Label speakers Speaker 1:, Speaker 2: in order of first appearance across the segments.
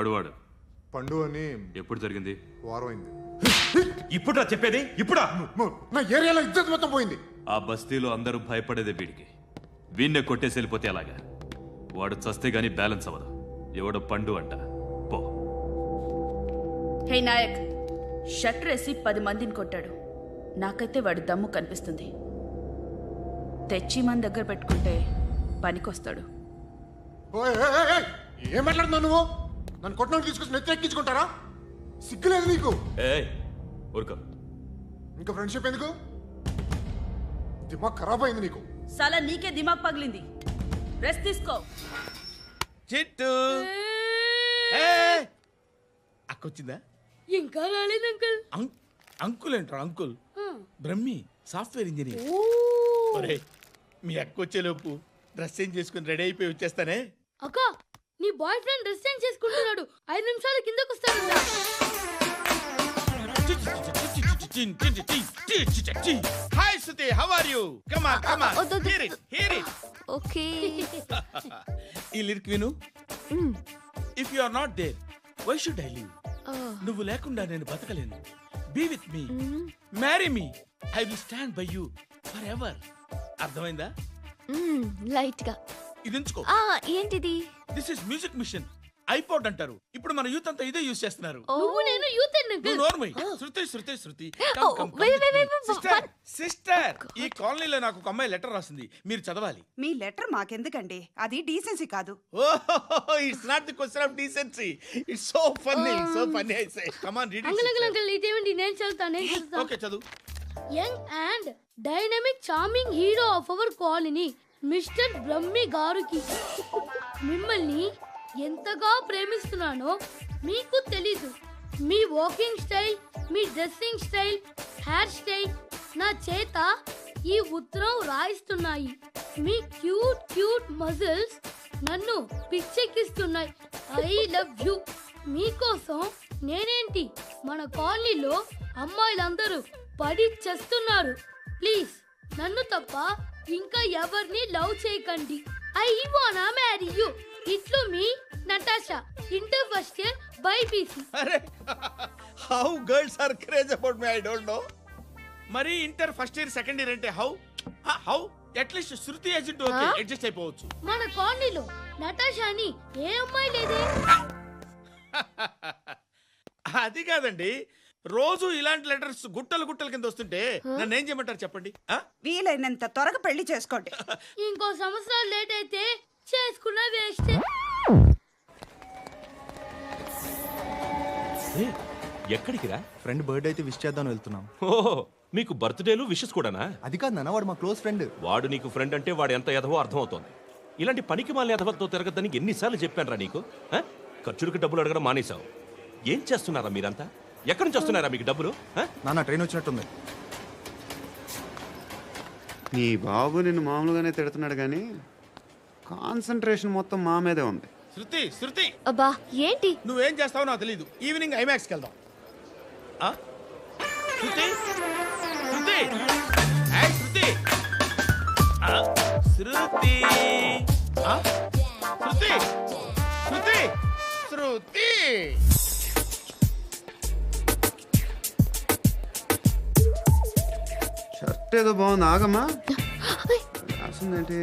Speaker 1: ఎవడు
Speaker 2: పండు అని.
Speaker 1: ఎప్పుడు జరిగింది?
Speaker 2: వారం అయింది.
Speaker 1: ఇప్పుడా చెప్పేది? ఇప్పుడా?
Speaker 2: నా ఏరియాలో ఇద్దరు మొత్తం పోయింది.
Speaker 1: ఆ బస్తీలో అందరూ భయపడేదే వీడికి. వీణ్ణే కొట్టేసి వెళ్ళిపోతే అలాగా. వాడు చస్తే గానీ బ్యాలెన్స్ అవ్వదు. ఎవడో పండు అంట. పో.
Speaker 3: హే నాయక్, షట్టర్ వేసి 10 మందిని కొట్టాడు. నాకైతే వాడి దమ్ము కనిపిస్తుంది. తెచ్చి మన దగ్గర పెట్టుకుంటే పనికొస్తాడు.
Speaker 2: ఏం మాట్లాడుతున్నావు నువ్వు? నన్ను కొట్టడానికి తీసుకొచ్చి నెత్తి ఎక్కించుకుంటారా? సిగ్గులేదు నీకు?
Speaker 1: ఊరుకో.
Speaker 2: ఇంకా ఫ్రెండ్షిప్ ఎందుకు? దిమాగ్ ఖరాబ్ అయింది నీకు.
Speaker 3: సాలా నీకే దిమాగ్ పగిలింది. రెస్ట్ తీసుకో.
Speaker 4: చిట్టు అక్కొచ్చిందా?
Speaker 5: ఇంకా రాలేదు అంకుల్.
Speaker 4: అంకుల్ ఏంట్రా? Uncle Brahmi software engineer. ఒరే, మీ అక్కొచ్చేలోపు డ్రెస్ చేంజ్ చేసుకుని రెడీ అయిపోయి వచ్చేస్తానే.
Speaker 5: అక్క, నీ బాయ్ ఫ్రెండ్ డ్రెస్ చేంజ్ చేసుకుంటున్నాడు. 5 నిమిషాలు కిందకు వస్తాడు.
Speaker 4: Hi Shruti, how are you? Come on come on, hear it.
Speaker 6: Okay.
Speaker 4: ఈ లిరిక్ విను. If you are not there, why should I live? నువ్వు లేకుండా నేను బతకలేను. Be with me, marry me, I will stand by you forever. అర్థమైందా?
Speaker 6: Light గా.
Speaker 4: ఇది ఉంచుకో.
Speaker 6: ఏంటిది?
Speaker 4: This is music machine. IPod అంటారు. ఇప్పుడు మన యూత్ అంతా ఇదే యూజ్ చేస్తున్నారు.
Speaker 5: నువ్వు నేను యూత్
Speaker 4: నువ్వు నోర్మై. శృతి శృతి శృతి. సిస్టర్, ఈ కాలనీలో నాకు ఒక అమ్మాయి లెటర్ రాసింది. మీరు చదవాలి.
Speaker 7: మీ లెటర్ మాకెందుకండి? అది డీసెన్సీ కాదు.
Speaker 4: Oh, it's not the question of decency. It's so funny, so funny. I say come on, read it.
Speaker 5: Uncle ఇదేంటి? నేను చదువుతాను.
Speaker 4: ఓకే, చదువు.
Speaker 5: Young and dynamic charming hero of our colony mister Brahmi గారికి మిమ్మల్ని ఎంతగా ప్రేమిస్తున్నానో మీకు తెలీదు. మీ వాకింగ్ స్టైల్, మీ డ్రెస్సింగ్ స్టైల్, హెయిర్ స్టైల్ నా చేత ఈ ఉత్తరం రాయిస్తున్నాయి. మీ క్యూట్ క్యూట్ మజిల్స్ నన్ను పిచ్చెక్కిస్తున్నాయి. I love you. మీకోసం నేనేంటి, మన కాలనీలో అమ్మాయిలందరూ పడి చేస్తున్నారు. ప్లీజ్ నన్ను తప్ప ఇంకా ఎవరిని లవ్ చేయకండి. ఐ వానా మ్యారీ యూ. ఇట్లు మీ Natasha, inter first year BiPC.
Speaker 4: అరే, how girls are craze about me, I don't know. మరి inter first year second year అంటే how at least Shruti agent okay, adjust అయిపోవచ్చు.
Speaker 5: మన కాలనీలో నటాషా అని ఏ అమ్మాయి లేదే.
Speaker 4: అది కాదండి, రోజు ఇలాంటి లెటర్స్ గుట్టలు గుట్టల కింద వస్తుంటే నన్ను ఏం చేయమంటారు చెప్పండి?
Speaker 7: వీలైనంత త్వరగా పెళ్లి చేసుకోండి.
Speaker 5: ఇంకో సంవత్సరాలు లేట్ అయితే చేసుకున్న వేస్ట్.
Speaker 8: ఎక్కడికి రా? ఫ్రెండ్ బర్త్డే అయితే విష్ చేద్దాం వెళ్తున్నాం.
Speaker 9: ఓహో, మీకు బర్త్డేలు విషెస్ కూడానా?
Speaker 8: అది కాదు నాన్న, వాడు మా క్లోజ్ ఫ్రెండ్.
Speaker 9: వాడు నీకు ఫ్రెండ్ అంటే వాడు ఎంత ఎదవో అర్థమవుతోంది. ఇలాంటి పనికి మాలిన ఎదవలతో తిరగద్దని ఎన్నిసార్లు చెప్పానురా నీకు? ఖర్చులకు డబ్బులు అడగడం మానేశావు. ఏం చేస్తున్నారా మీరంతా? ఎక్కడి నుంచి వస్తున్నారా మీకు డబ్బులు?
Speaker 8: నాన్న ట్రైన్ వచ్చినట్టుంది.
Speaker 10: నీ బాబు నిన్ను మామూలుగానే తిడుతున్నాడు కానీ కాన్సంట్రేషన్ మొత్తం మా మీదే ఉంది.
Speaker 4: శృతి శృతి,
Speaker 6: అబ్బా ఏంటి?
Speaker 4: నువ్వేం చేస్తావో నాకు తెలీదు. ఈవినింగ్ ఐమాక్స్కి వెళ్దాం. శృతి శృతి, శృతి శృతి శృతి శృతి శృతి.
Speaker 10: షర్ట్ ఏదో బాగుంది, ఆగమ్మా. రాసిందేంటి?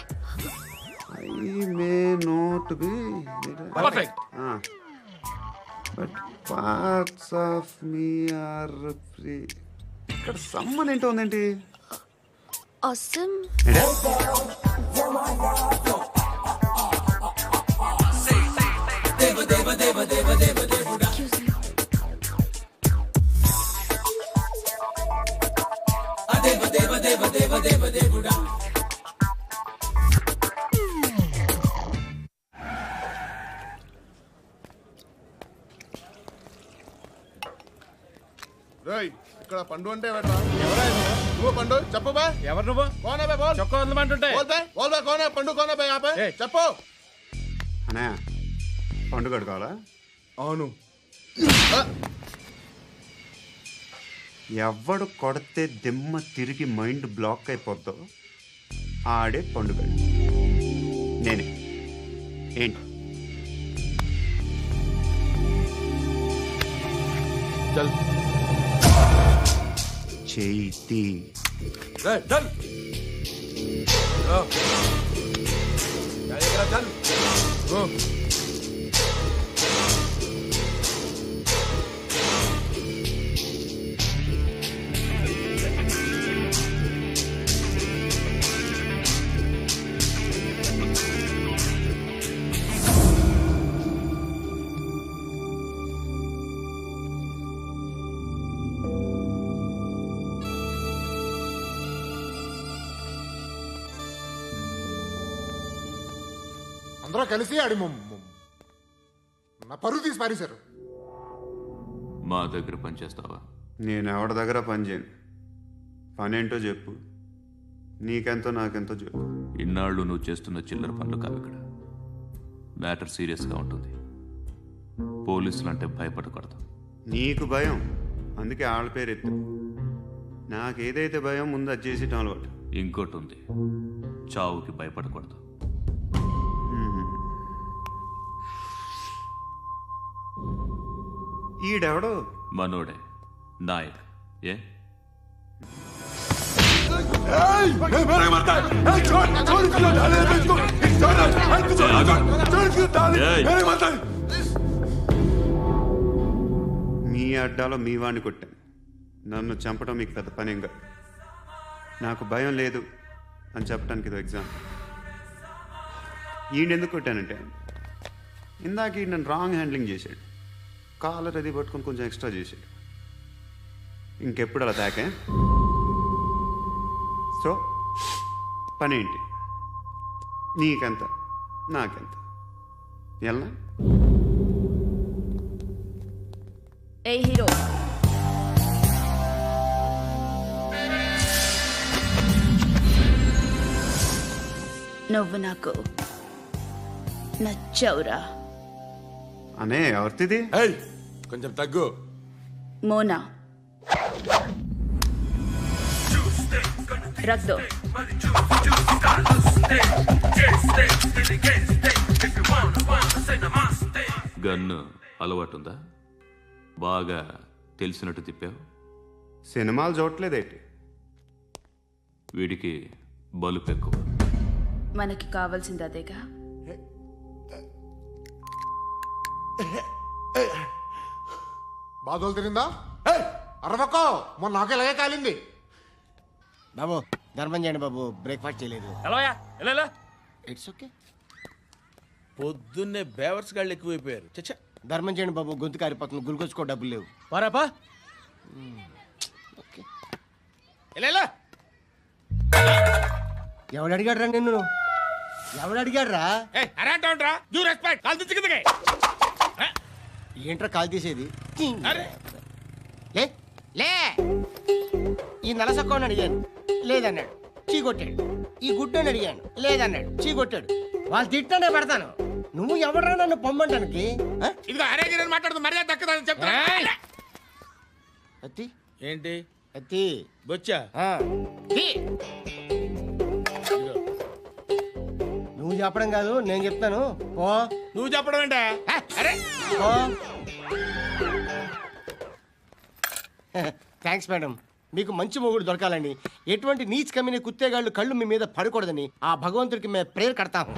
Speaker 10: I may not be
Speaker 4: perfect,
Speaker 10: but parts of me are free. ఇక్కడ సమ్మన్ ఏంటో ఉందేంటి?
Speaker 6: awesome.
Speaker 2: ఇక్కడ పండు అంటే నువ్వు పండు చెప్పు బా.
Speaker 4: ఎవరు నువ్వు?
Speaker 2: కోనా బే బోల్.
Speaker 4: చొక్కా వదలమంటుంటే
Speaker 2: బోల్ బే కోనా పండు కోనా బే ఆపే చెప్పు.
Speaker 10: అనే పండుగ కావాలా?
Speaker 2: అవును.
Speaker 10: ఎవడు కొడితే దిమ్మ తిరిగి మైండ్ బ్లాక్ అయిపోద్దో ఆడే పండుగ. నేనే. ఏంటి
Speaker 4: చల్
Speaker 10: చేతి
Speaker 4: చల్ చల్
Speaker 2: అందరూ కలిసి ఆడి నా పరువు తీసి పారేశారు.
Speaker 1: మా దగ్గర పనిచేస్తావా?
Speaker 10: నేను ఎవరి దగ్గర పని చేయను. పనేంటో చెప్పు. నీకెంతో నాకెంతో చెప్పు.
Speaker 1: ఇన్నాళ్ళు నువ్వు చేస్తున్న చిల్లర పనులు కావు ఇక్కడ. మ్యాటర్ సీరియస్గా ఉంటుంది. పోలీసులు అంటే భయపడకూడదు.
Speaker 10: నీకు భయం, అందుకే ఆళ్ళ పేరు ఎత్తు. నాకేదైతే భయం ముందు అది చేసేటం అలవాటు.
Speaker 1: ఇంకోటి ఉంది, చావుకి భయపడకూడదు.
Speaker 10: ఈడెవడో
Speaker 1: మనోడే నాయక్. ఏ
Speaker 10: మీ అడ్డాలో మీ వాడిని కొట్టాను. నన్ను చంపడం మీకు పెద్ద పనేం కాదు. నాకు భయం లేదు అని చెప్పడానికి ఇది ఎగ్జామ్. ఈయనెందుకు కొట్టానంటే ఇందాక ఈ నన్ను రాంగ్ హ్యాండ్లింగ్ చేశాడు. కాలర్ అది పట్టుకొని కొంచెం ఎక్స్ట్రా చేశాడు. ఇంకెప్పుడు అలా తాకే. సో పనేంటి? నీకెంత నాకెంత ఎలా?
Speaker 3: ఏ హీరో, నువ్వు నాకు నచ్చావురా.
Speaker 10: అనే ఎవరిది?
Speaker 4: కొంచెం తగ్గు.
Speaker 3: మోనా రక్ దో.
Speaker 1: గన్ను అలవాటుందా? బాగా తెలిసినట్టు తిప్పావు.
Speaker 10: సినిమాలు చూడట్లేదేంటి?
Speaker 1: వీడికి బలుపు ఎక్కువ.
Speaker 3: మనకి కావాల్సింది అదేగా.
Speaker 2: బాధలు తిరిందా? అరవకో, మొన్న నాకు ఇలాగే కాలింది.
Speaker 11: బాబు ధర్మం చేయండి బాబు, బ్రేక్ఫాస్ట్ చేయలేదు.
Speaker 4: It's okay. పొద్దున్నే బేవర్స్ గాళ్ళు ఎక్కువైపోయారు. చచ్చా,
Speaker 11: ధర్మం చేయండి బాబు, గొంతు కారిపోతుంది, గురికొచ్చుకో డబ్బులు లేవు.
Speaker 4: పారాపా.
Speaker 11: ఓకే.
Speaker 12: ఎవడు అడిగాడు రా నిన్ను? ఎవడు అడిగాడు రా? ఏంట్రా కాల్ తీసేది? లే లే. ఈ నలసక్కని అడిగాను, లేదన్నాడు, చీ కొట్టాడు. ఈ గుడ్డని అడిగాను, లేదన్నాడు, చీ కొట్టాడు. వాళ్ళు తిట్టానే పెడతాను. నువ్వు ఎవడరా నన్ను పొమ్మంటానికి?
Speaker 4: మాట్లాడుతూ మర్యాద దక్కదని చెప్తా.
Speaker 12: అత్తి
Speaker 4: ఏంటి
Speaker 12: అత్తి
Speaker 4: బొచ్చా?
Speaker 12: నువ్వు చెప్పడం కాదు, నేను చెప్తాను. పో.
Speaker 4: నువ్వు చెప్పడం ఏంటా? అరే
Speaker 12: థ్యాంక్స్ మేడం. మీకు మంచి మొగుడు దొరకాలని, ఎటువంటి నీచ్ కమ్మిన కుత్తేగాళ్ళు కళ్ళు మీ మీద పడకూడదని ఆ భగవంతుడికి మేము ప్రేయర్ కడతాము.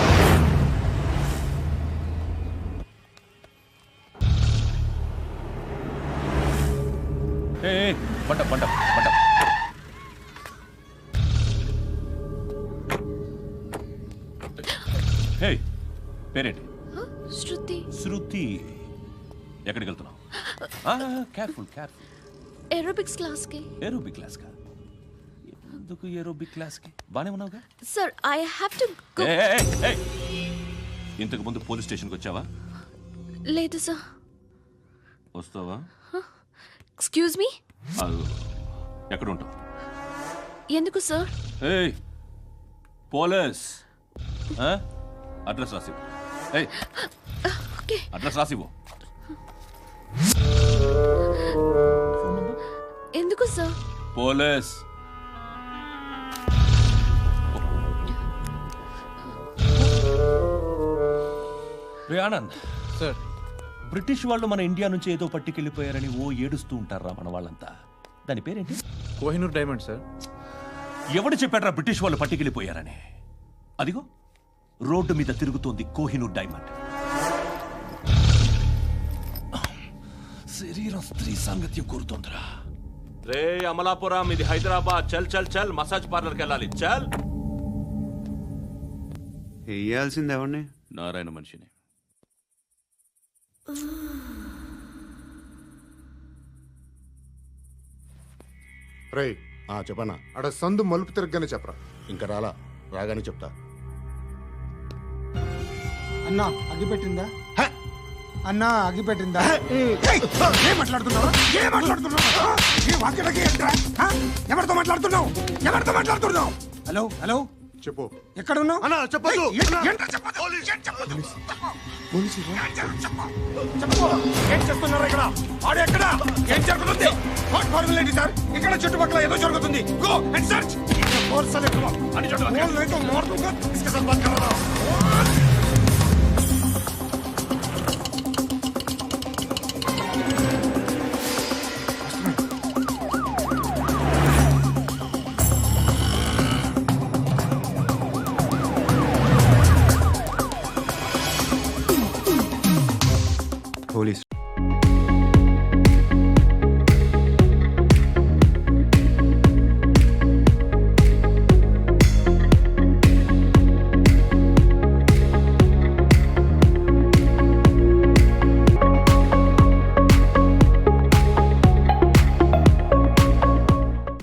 Speaker 1: పేరేంటి?
Speaker 6: శృతి.
Speaker 1: శృతి. ఎక్కడికి వెళ్తున్నావు? Careful careful.
Speaker 6: ఏరోబిక్స్ క్లాస్ కి.
Speaker 1: ఏరోబిక్ క్లాస్ కా? ఎందుకు ఏరోబిక్ క్లాస్ కి? బానే ఉన్నావుగా?
Speaker 6: Sir I have to go.
Speaker 1: ఇంతకు ముందు పోలీస్ స్టేషన్కి వచ్చావా?
Speaker 6: లేదు సార్.
Speaker 1: వస్తావా?
Speaker 6: Excuse me.
Speaker 1: ఎక్కడ ఉంటావు?
Speaker 6: ఎందుకు సార్?
Speaker 1: పోలీస్ అడ్రస్ రాసివ్వు. అడ్రస్ రాసివ్వు.
Speaker 6: ఎందుకు sir?
Speaker 1: Police. Anand
Speaker 8: sir,
Speaker 9: British వాళ్ళు మన ఇండియా నుంచి ఏదో పట్టుకెళ్ళిపోయారని ఓ ఏడుస్తూ ఉంటారా మన వాళ్ళంతా. దాని పేరేంటి?
Speaker 8: Kohinoor diamond sir.
Speaker 9: ఎవడు చెప్పాడ్రా బ్రిటిష్ వాళ్ళు పట్టుకెళ్ళిపోయారని? అదిగో రోడ్డు మీద తిరుగుతోంది కోహినూర్ డైమండ్. శరీరం స్త్రీ సాంగత్యం కోరుతోందిరా. రే అమలాపురం, ఇది హైదరాబాద్. చల్ చల్ చల్, మసాజ్ పార్లర్కి వెళ్ళాలి. చల్.
Speaker 10: వేయాల్సింది ఎవరిని?
Speaker 1: నారాయణ మనిషిని.
Speaker 2: రై చెప్పనా అడ సందు మలుపు తిరగగానే చెప్పరా.
Speaker 11: ఇంకా రాగానే చెప్తా.
Speaker 12: అన్నా అగిపెట్టిందా? అన్నా అగిపెట్టిందా?
Speaker 2: ఏం మాట్లాడుతున్నావు? ఎవరితో మాట్లాడుతున్నావు?
Speaker 12: హలో హలో,
Speaker 2: చెప్పు.
Speaker 12: ఎక్కడ ఉన్నావు?
Speaker 2: అన్నా చెప్పదు.
Speaker 12: ఏం చేస్తున్నారు ఇక్కడ? ఆడు ఎక్కడ? ఏం జరుగుతుంది? వాట్ ఫార్ములేంటి సార్? ఇక్కడ చుట్టుపక్కల ఏదో జరుగుతుంది. Go and search. ఫోర్స్ అని చెప్పు. అని చెప్పు. నేను మారుతుంగా. ఇస్కే సాత్ బాత్ కర్ రహా హూం.